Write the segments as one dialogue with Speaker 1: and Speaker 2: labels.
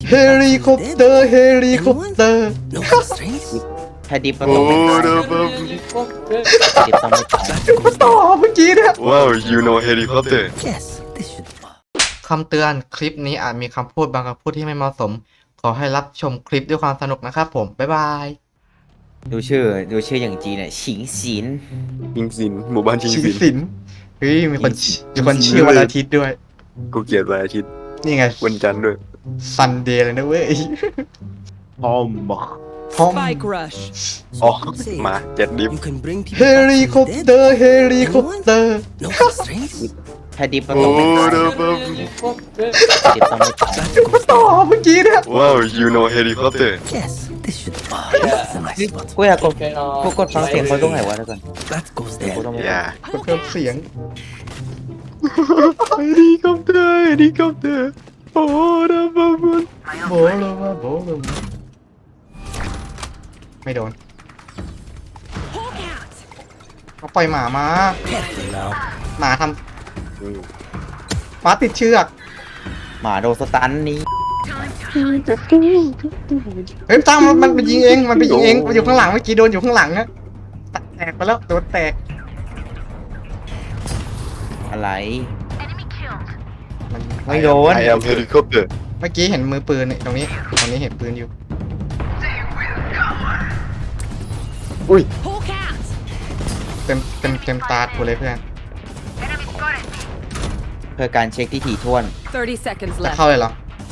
Speaker 1: เฮลิคอปเตอร์เฮลิคอปเตอร์
Speaker 2: No constraints?
Speaker 3: ถ้าดิฟก็ต้องเป็นดิฟต้องไม่ตาย
Speaker 1: กูต่อเมื่อกี้เนี่ย
Speaker 4: Wow, you know helicopter.
Speaker 2: Yes, this should work.
Speaker 1: คำเตือนคลิปนี้อาจมีคำพูดบางคำพูดที่ไม่เหมาะสม ขอให้รับชมคลิปด้วยความสนุกนะครับผม บ๊ายบาย
Speaker 3: ดูชื่ออย่างจีนเนี่ยฉิงศิน
Speaker 4: ชิงซินหมู่บ้านชิง
Speaker 1: ชิง
Speaker 4: ซิน
Speaker 1: สินเฮ้ยมีคนชื่อวันอาทิตย์ด้วย
Speaker 4: กูเกลียดวันอาทิตย์
Speaker 1: นี่ไง
Speaker 4: วันจันทร์ด้วย
Speaker 1: ซันเดย์เลยนะเว้ย
Speaker 3: พอมบอก
Speaker 1: พร้อม
Speaker 5: Spike rush.
Speaker 4: อ๋อมาเจ็ดดิฟ
Speaker 2: You can bring
Speaker 1: เฮ
Speaker 2: people
Speaker 1: ลิ
Speaker 2: back
Speaker 1: คอ
Speaker 2: from
Speaker 1: ป
Speaker 2: the
Speaker 1: เตอ
Speaker 2: dead.
Speaker 1: ร์เฮลิคอปเตอร์
Speaker 2: No constraints?
Speaker 3: ถ้าดิฟก็ต้องเป็นดิฟต้องไม่ตาย
Speaker 1: กูต่อเมื่อกี้เนี่ย
Speaker 4: Wow, you know helicopter.
Speaker 2: Yes, this should work. This is a nice spot.
Speaker 3: กูอยากกดฟังเสียงเขาตรงไหนวะทุกคน
Speaker 2: That goes
Speaker 3: กู
Speaker 2: there.
Speaker 3: ต้องไม่
Speaker 4: Yeah.
Speaker 1: เพิ่มเสียง
Speaker 4: Helicopter, helicopter. Oh, the bubble.
Speaker 1: โบโลมาโบโลมาไม่โดนเขาปล่อยหมามา
Speaker 2: Careful now.
Speaker 1: หมาทำหมาติดเชือก
Speaker 3: หมาโดนสตันนี้
Speaker 1: เฮ้ยตั้งมันไปยิงเอง มันไปยิงเองมันอยู่ข้างหลังเมื่อกี้โดนอยู่ข้างหลังอะแตกไปแล้วโดนแตก
Speaker 3: อะไร
Speaker 1: มัน
Speaker 3: ไม่โดน
Speaker 4: I am helicopter.
Speaker 1: เมื่อกี้เห็นมือปืนเนี่ยตรงนี้เห็นปืนอยู่
Speaker 4: อุ้ย
Speaker 1: เต็มตากูเลยเพื่อน
Speaker 3: เพื่อการเช็คที่ถี่ถ้วน
Speaker 5: 30 seconds
Speaker 1: จะ
Speaker 5: left.
Speaker 1: เข้าเลยเหรอ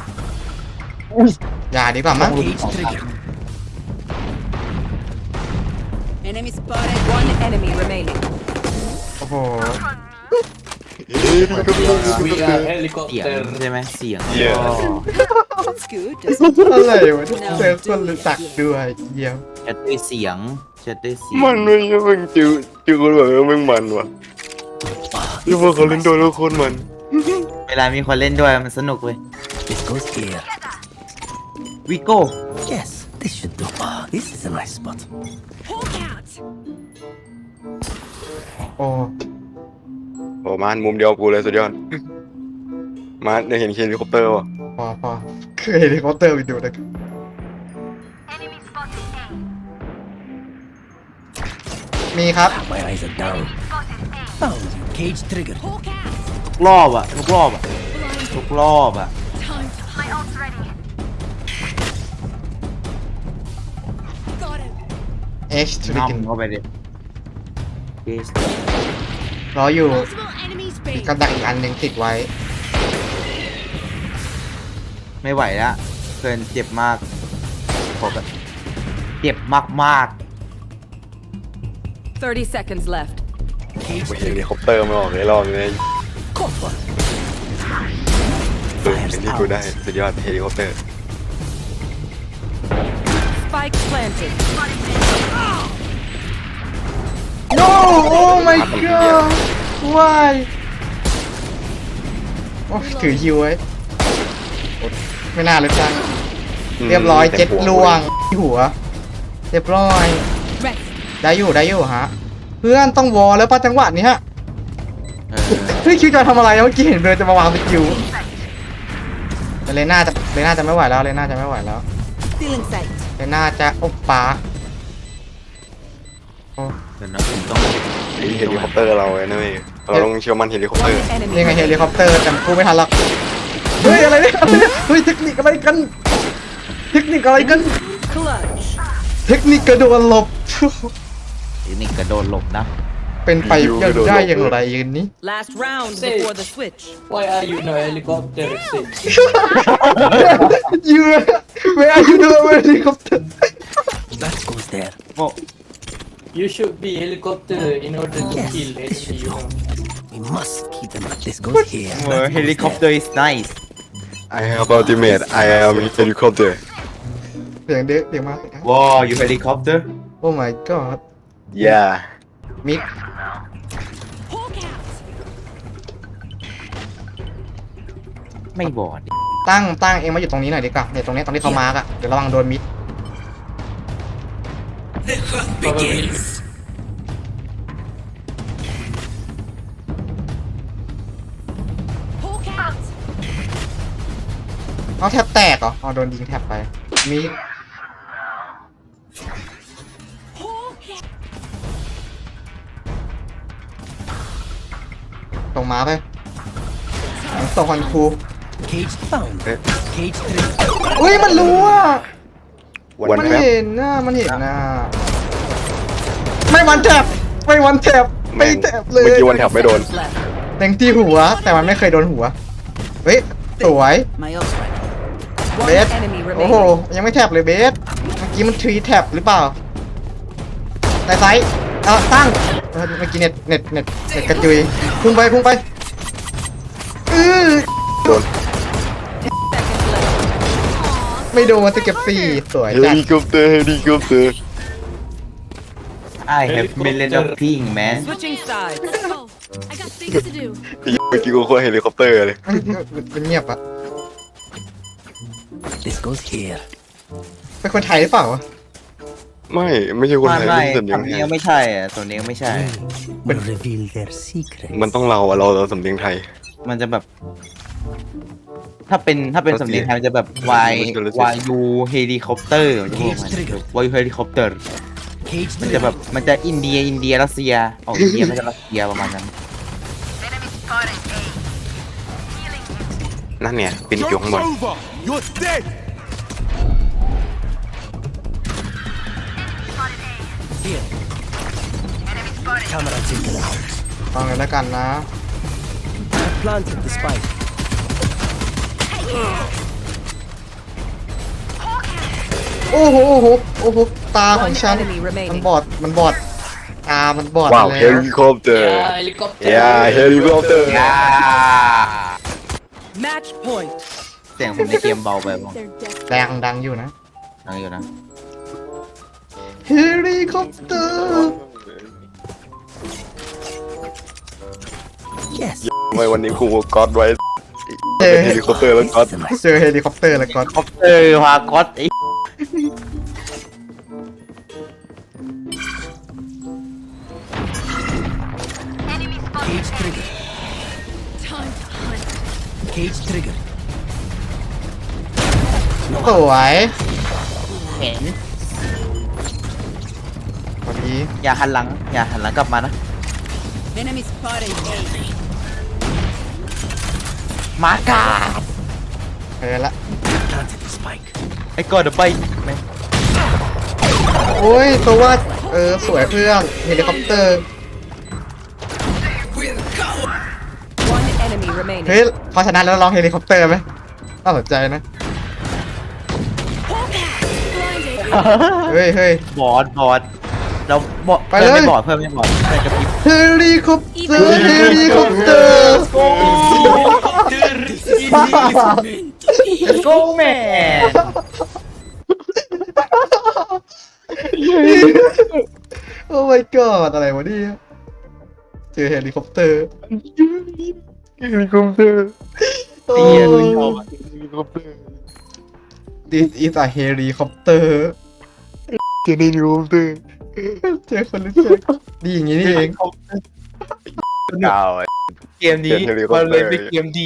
Speaker 1: อย่าดีกว่ามั้ง
Speaker 2: Cage trigger.
Speaker 5: Enemy spotted. One enemy remaining.
Speaker 1: โอ้โห
Speaker 3: เสียงใช่ไหมเสียง
Speaker 4: Yeah.
Speaker 5: That's good. Doesn't
Speaker 1: อะไรวะเจอคนรู้จักด้วยเยี่ยม
Speaker 3: แชทด้วยเสียงแชทด้วยเสียง
Speaker 4: มันไม่ใช่มึงจิวคนแบบมึงมันว่ะที่พวกเขาเล่นตัวแล้วโคตรมัน
Speaker 3: เวลามีคนเล่นด้วยมันสนุกเว้ย
Speaker 2: This goes here.
Speaker 3: วิโก้
Speaker 2: Yes, this should do. This is a nice spot.
Speaker 5: Hawk out.
Speaker 1: โอ้
Speaker 4: โอ้มันมุมเดียวกูเลยสุดยอดมาได้เห็นเฮลิคอปเตอร์ว่ะ
Speaker 1: พอเคยเฮลิคอปเตอร์ไปดูนะมีครับ
Speaker 2: My eyes are down. Found you. Cage trigger.
Speaker 5: Hawk out.
Speaker 3: ทุกรอบอ่ะทุกรอบอ่ะทุกรอบอ่ะ
Speaker 5: Time to hide. Got him.
Speaker 1: เอ็กซ์ทริก
Speaker 3: น้ำเข้าไปดิเกส
Speaker 1: รออยู่
Speaker 5: Multiple enemies
Speaker 1: มี
Speaker 5: base.
Speaker 1: กับดักอีกอันหนึ่งติดไว้
Speaker 3: ไม่ไหวแล้วเพื่อนเจ็บมากผมแบบเจ็บมาก
Speaker 5: 30 seconds left.
Speaker 2: Cage
Speaker 4: เฮ
Speaker 2: trigger.
Speaker 4: ลิคอปเตอร์ไม่ออกเลยรอบนี้
Speaker 2: Caught one.
Speaker 4: เห็นที่กูได้สุดยอดเฮลิคอปเตอร์
Speaker 5: Spike planted.
Speaker 1: No oh my god why โอ้ถือฮิวไว้ไม่น่าเลยจังเรียบร้อยเจ็ดลวงที่หัว เรียบร้อย
Speaker 5: Rest.
Speaker 1: ได้อยู่ฮะ เพื่อนต้องวอลแล้วป่ะจังหวะนี้ฮะ
Speaker 3: ๆ
Speaker 1: เฮ้ยคิวจะทำอะไรอะเมื่อกี้เห็นเลยจะมาวางสกิลแต่เลน่าจะไม่ไหวแล้วเลน่าจะไม่ไหวแล้ว
Speaker 5: Still in sight.
Speaker 1: เลน่าจะโอ้ปาโอ้
Speaker 3: เดี๋ยวนะผมต้อง
Speaker 4: เฮลิคอปเตอร์เราเลยนะเว้ยเราต้องเชื่อมั่นเฮลิคอปเตอ
Speaker 5: One
Speaker 4: ร์
Speaker 5: enemy
Speaker 1: นี่ไงเฮ
Speaker 5: remaining.
Speaker 1: ลิคอปเตอร์แต่กูไม่ทันหรอกเฮ้ยอะไรเนี่ยเฮ้ยเทคนิคอะไรกัน เทคนิคอะไรกัน
Speaker 5: Clutch.
Speaker 1: เทคนิคกระโดดหลบ
Speaker 3: นี่กระโดดหลบนะ
Speaker 1: เป็นไปได้อย่างไรยืนนี้
Speaker 5: Last round before the switch.
Speaker 6: Why are you no helicopter? Sid?
Speaker 1: you where are you doing helicopter
Speaker 2: That goes there.
Speaker 3: โอ้
Speaker 6: You should be helicopter in order to
Speaker 2: Yes,
Speaker 6: kill
Speaker 2: this should
Speaker 6: enemy, you
Speaker 2: go.
Speaker 6: know.
Speaker 2: We must keep them up. This goes here. That goes
Speaker 3: เฮลิคอปเตอ
Speaker 2: there.
Speaker 3: ร์ is nice
Speaker 4: I have ultimate I am helicopter
Speaker 1: เสียงเด็กเสียงมา
Speaker 3: ว้าวอยู่เฮลิคอปเตอร์
Speaker 1: โอ้ my god
Speaker 4: yeah
Speaker 1: มิด
Speaker 5: Hawk out.
Speaker 3: ไม่บอด
Speaker 1: ตั้งเองมาอยู่ตรงนี้หน่อยดีกว่าเนี่ยตรงนี้เขามาร์กอะเดี๋ยวระวังโดนมิด
Speaker 2: Begins.
Speaker 5: Hawk out.
Speaker 1: เอาแท็บแตกเหรออ๋อโดนยิงแท็บไปมีส่งม้าไปส่งควันครู
Speaker 2: Cage found. Cage triggered.
Speaker 1: อุ้ยมันรู้อ่ะ
Speaker 4: วัน
Speaker 1: มัน
Speaker 4: แป๊บ
Speaker 1: เห็นนะมันเห็นนะไม่วันแท็บไม่วันแท็บไม่แท็บเลย
Speaker 4: เมื่อกี้วันแถบไม่โดน
Speaker 5: Left.
Speaker 1: แดงที่หัว แต่มันไม่เคยโดนหัวเฮ้ยสวย
Speaker 5: My ult ready.
Speaker 1: เบ
Speaker 5: One
Speaker 1: ส
Speaker 5: enemy
Speaker 1: โอ้โห
Speaker 5: remaining.
Speaker 1: ยังไม่แท็บเลยเบสเมื่อกี้มันทรีแท็บหรือเปล่าในไซส์ตั้งเมื่อกี้เน็ตกระจุยพุ่งไป
Speaker 4: โดน
Speaker 5: Seconds left.
Speaker 1: ไม่โดนจะเก็บสี่สวย
Speaker 4: เฮ
Speaker 1: จัด
Speaker 4: ลิคอปเตอร์
Speaker 3: I have million of ping man
Speaker 5: Switching sides.
Speaker 7: Let's go. I got things to do.
Speaker 4: เมื่อกี้กูโคตรเฮลิคอปเตอร์เลย
Speaker 1: มันเงียบอะ
Speaker 2: This goes here.
Speaker 1: เป็นคนไทยหรือเปล่าวะ
Speaker 4: ไม่ใช่คนไทย
Speaker 3: ไม่
Speaker 4: เป็นสำเนียง
Speaker 3: สำ
Speaker 4: ไท
Speaker 3: เนี
Speaker 4: ย
Speaker 3: ยงไม่ใช่อะสำเนียงไม่ใช่
Speaker 2: Will reveal their secret.
Speaker 4: มันต้องเราสำเนียงไทย
Speaker 3: มันจะแบบ ถ้าเป็นสำเนียงไทยมันจะแบบ Y U helicopter มันจะบอกมัน Y U helicopter
Speaker 2: Cage
Speaker 3: มันจะแบบ
Speaker 2: triggered.
Speaker 3: มันจะอินเดียรัสเซียออกอินเดียไม่ใช่รัสเซียประมาณนั้น
Speaker 4: นั่นเนี่ยปินอยู่ข้างบน
Speaker 2: You're dead. Here. Camera taken out.
Speaker 1: ฟังเลยแล้วกันนะ
Speaker 2: I planted the spike.
Speaker 1: โอ้โหตาของฉัน
Speaker 5: One enemy remaining.
Speaker 1: มันบอดตามันบอด
Speaker 4: ว้าว
Speaker 1: ไป
Speaker 4: เฮ
Speaker 1: แล้ว
Speaker 4: ลิคอปเตอร์
Speaker 6: Yeah, helicopter.
Speaker 4: เฮลิคอปเตอร์
Speaker 5: Match point.
Speaker 3: เสียงผมในเกมเบาไปบ้าง
Speaker 7: They're dead.
Speaker 1: ดังอยู่นะ
Speaker 3: ดังอยู่นะ
Speaker 1: เฮลิคอปเตอร์
Speaker 2: Yes.
Speaker 4: ทำไมวันนี้กูก๊อตไว้
Speaker 1: เจอ
Speaker 4: เฮลิคอปเตอร์แล้วก๊อต
Speaker 1: เจอเฮลิคอปเตอร์แล้วก็
Speaker 3: คอปเตอร์พาก๊อตไอ้
Speaker 2: Cage triggered.
Speaker 7: Time to hunt.
Speaker 2: Cage triggered.
Speaker 1: สวย
Speaker 3: เห็น
Speaker 1: พอดี
Speaker 3: อย่าหันหลังกลับมานะ
Speaker 5: Enemy spotted. A.
Speaker 3: มากา
Speaker 1: เออละ
Speaker 2: Planted the spike.
Speaker 3: ไอ้กอดเดี๋ยวไปแม่ง
Speaker 1: โอ้ยตัวว่าสวยเพื่อนเฮลิคอปเตอร์
Speaker 5: One enemy remaining.
Speaker 1: เฮ้ยพอชนะแล้วลองเฮลิคอปเตอร์ไหมน่าสนใจนะ
Speaker 7: Blinded.
Speaker 1: เฮ้ย
Speaker 3: บอดเราบอด
Speaker 1: ไป
Speaker 3: เพื่อน
Speaker 1: เลย
Speaker 3: ไม่บอดเพื่อนกระพริบ
Speaker 1: เฮลิคอปเตอร์เฮลิคอปเตอร์
Speaker 3: โก้แม่
Speaker 1: โอ้ my god อะไรวะเนี่ยเจอเฮลิคอปเตอร์
Speaker 4: เฮลิคอปเตอร์
Speaker 1: โอ้
Speaker 3: เตียเลยชอบ
Speaker 4: เฮลิคอปเตอร์
Speaker 1: This is a helicopter
Speaker 4: เฮลิคอปเตอร์
Speaker 1: เจอคนรู้จักดีอย่างนี้นี่เอง
Speaker 4: ดาว
Speaker 3: เกมนี้มันเลยเป็นเกมดี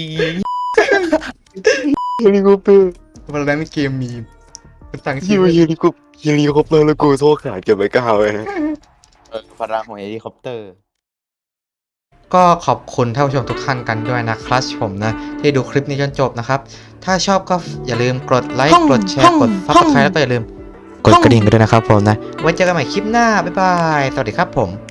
Speaker 4: เฮลิคอปเตอร์
Speaker 1: วันนั้นเกมมีตั้ง
Speaker 4: ที่
Speaker 1: ชื่อ
Speaker 4: ว่าเฮลิคอปเตอร์แล้วกูโทษขาดเก็บไว้ก้าวเลยนะ
Speaker 3: พลังของเฮลิคอปเตอร์
Speaker 1: ก็ขอบคุณท่านผู้ชมทุกท่านกันด้วยนะครับผมนะที่ดูคลิปนี้จนจบนะครับ ถ้าชอบก็อย่าลืมกดไลค์กดแชร์กด Subscribe แล้วก็อย่าลืมกดกระดิ่งกันด้วยนะครับผมนะไว้เจอกันใหม่คลิปหน้าบ๊ายบายสวัสดีครับผม